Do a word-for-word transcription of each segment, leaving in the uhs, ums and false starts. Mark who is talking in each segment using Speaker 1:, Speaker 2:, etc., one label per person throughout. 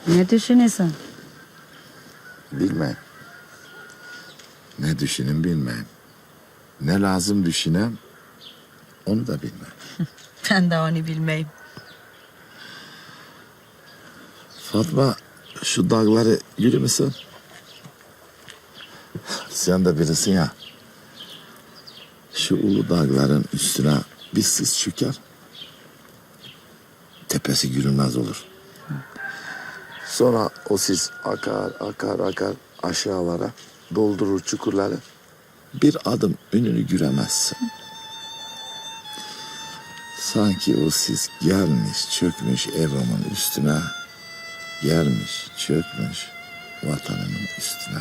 Speaker 1: Ne düşünüyorsun?
Speaker 2: Bilmem. Ne düşünün bilmem. Ne lazım düşünem, onu da bilmem.
Speaker 1: Ben de onu bilmeyim.
Speaker 2: Fatma, şu dağları yürü müsün? Sen de birisin ya. Şu ulu dağların üstüne bir sis çöker. Tepesi görünmez olur. Sonra o sis akar, akar, akar aşağılara, doldurur çukurları. Bir adım önünü göremezsin. Sanki o sis gelmiş, çökmüş evimin üstüne. Gelmiş, çökmüş vatanının üstüne.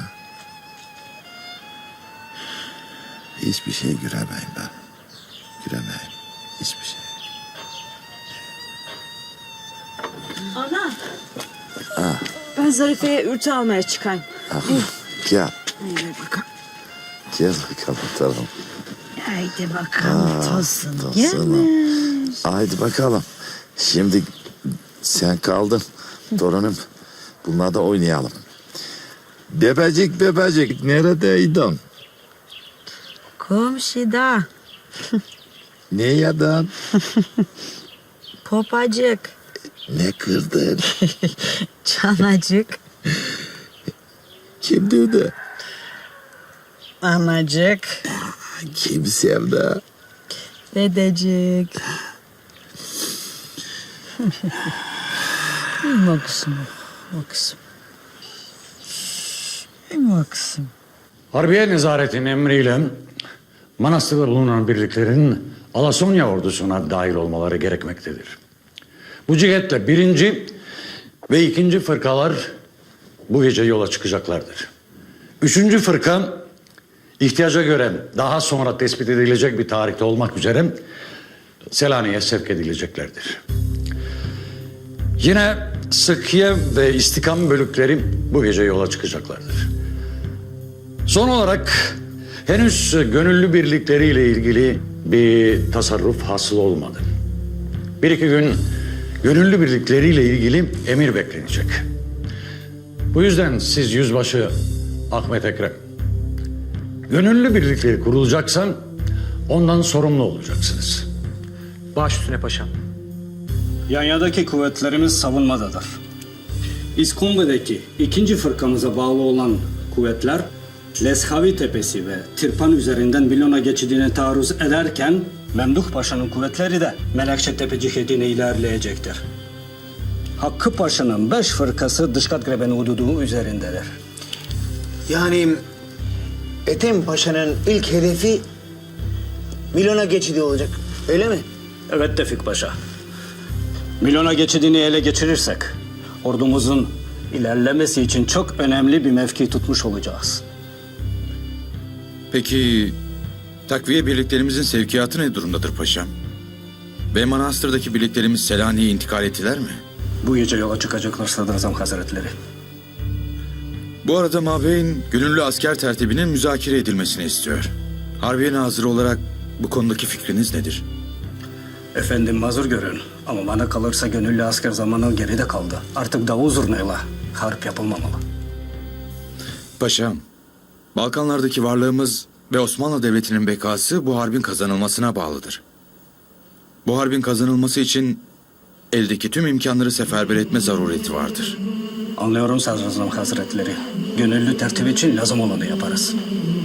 Speaker 2: Hiçbir şey göremeyim ben. Göremeyim. Hiçbir şey.
Speaker 3: Ana. Ha. Ben Zarife'ye ürtü almaya çıkayım.
Speaker 2: Ah, gel.
Speaker 3: Gel bakalım.
Speaker 2: Gel bakalım tamam.
Speaker 1: Haydi bakalım tosun.
Speaker 2: Tosunum.
Speaker 1: Gelmiş.
Speaker 2: Haydi bakalım. Şimdi sen kaldın torunum. Bunlar da oynayalım. Bebecik bebecik neredeydin?
Speaker 1: Komşuda.
Speaker 2: Ne yedin?
Speaker 1: Popacık.
Speaker 2: Ne kırdın?
Speaker 1: Çanacık.
Speaker 2: Kim dövdü?
Speaker 1: Anacık.
Speaker 2: Kim sevdi?
Speaker 1: Dedecik. İyiyim kızım. O kızım. İyiyim o kızım.
Speaker 4: Harbiye Nezaret'in emriyle Manastır'da bulunan birliklerin Alasonya ordusuna dahil olmaları gerekmektedir. Bu cihetle birinci ve ikinci fırkalar bu gece yola çıkacaklardır. Üçüncü fırka ihtiyaca göre daha sonra tespit edilecek bir tarihte olmak üzere Selanik'e sevk edileceklerdir. Yine Sıkhiye ve İstikam bölükleri bu gece yola çıkacaklardır. Son olarak henüz gönüllü birlikleriyle ilgili bir tasarruf hasıl olmadı. Bir iki gün gönüllü birlikleriyle ilgili emir beklenecek. Bu yüzden siz yüzbaşı Ahmet Ekrem, gönüllü birlikleri kurulacaksa ondan sorumlu olacaksınız.
Speaker 5: Baş üstüne paşam.
Speaker 6: Yanya'daki kuvvetlerimiz savunmadadır. İskumbe'deki ikinci fırkamıza bağlı olan kuvvetler Leshavi Tepesi ve Tirpan üzerinden Milona geçidine taarruz ederken Memduh Paşa'nın kuvvetleri de Melekşe Tepe cihetine ilerleyecektir. Hakkı Paşa'nın beş fırkası Dışkat Grebeni hududu üzerindedir.
Speaker 7: Yani Ethem Paşa'nın ilk hedefi Milona geçidi olacak, öyle mi?
Speaker 6: Evet Tevfik Paşa. Milona geçidini ele geçirirsek ordumuzun ilerlemesi için çok önemli bir mevki tutmuş olacağız.
Speaker 8: Peki takviye birliklerimizin sevkiyatı ne durumdadır paşam? Ve Manastır'daki birliklerimiz Selanik'e intikal ettiler mi?
Speaker 6: Bu gece yola çıkacaklar Sadrazam Hazretleri.
Speaker 8: Bu arada Mabeyn gönüllü asker tertibinin müzakere edilmesini istiyor. Harbiye Nazırı olarak bu konudaki fikriniz nedir?
Speaker 6: Efendim mazur görün ama bana kalırsa gönüllü asker zamanı geride kaldı. Artık davul zurnayla harp yapılmamalı.
Speaker 8: Paşam, Balkanlardaki varlığımız ve Osmanlı Devleti'nin bekası bu harbin kazanılmasına bağlıdır. Bu harbin kazanılması için eldeki tüm imkanları seferber etme zarureti vardır.
Speaker 6: Anlıyorum Sadrazam Hazretleri. Gönüllü tertip için lazım olanı yaparız.